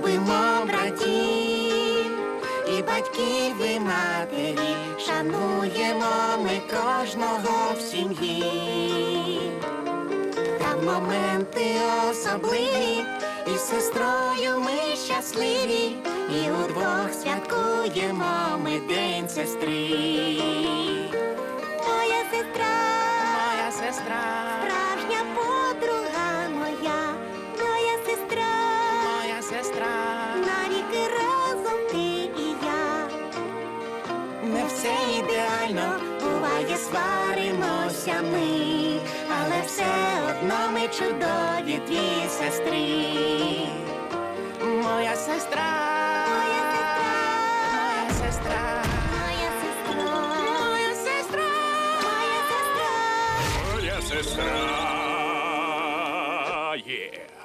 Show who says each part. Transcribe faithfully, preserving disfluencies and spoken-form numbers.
Speaker 1: любимо братів, і батьків, і матері, шануємо ми кожного в сім'ї. Та в моменти особливі, і з сестрою ми щасливі, і удвох святкуємо ми День сестри. Моя сестра,
Speaker 2: Моя сестра,
Speaker 1: справжня подруга моя, моя сестра,
Speaker 2: моя сестра,
Speaker 1: навіки разом ти і я. Не все ідеально, буває, сваримося ми, але все одно ми чудові дві сестри.
Speaker 2: моя сестра,
Speaker 1: Моя сестра,
Speaker 2: моя сестра,
Speaker 1: моя сестра,
Speaker 2: моя сестра,
Speaker 1: моя сестра.
Speaker 3: Моя сестра є.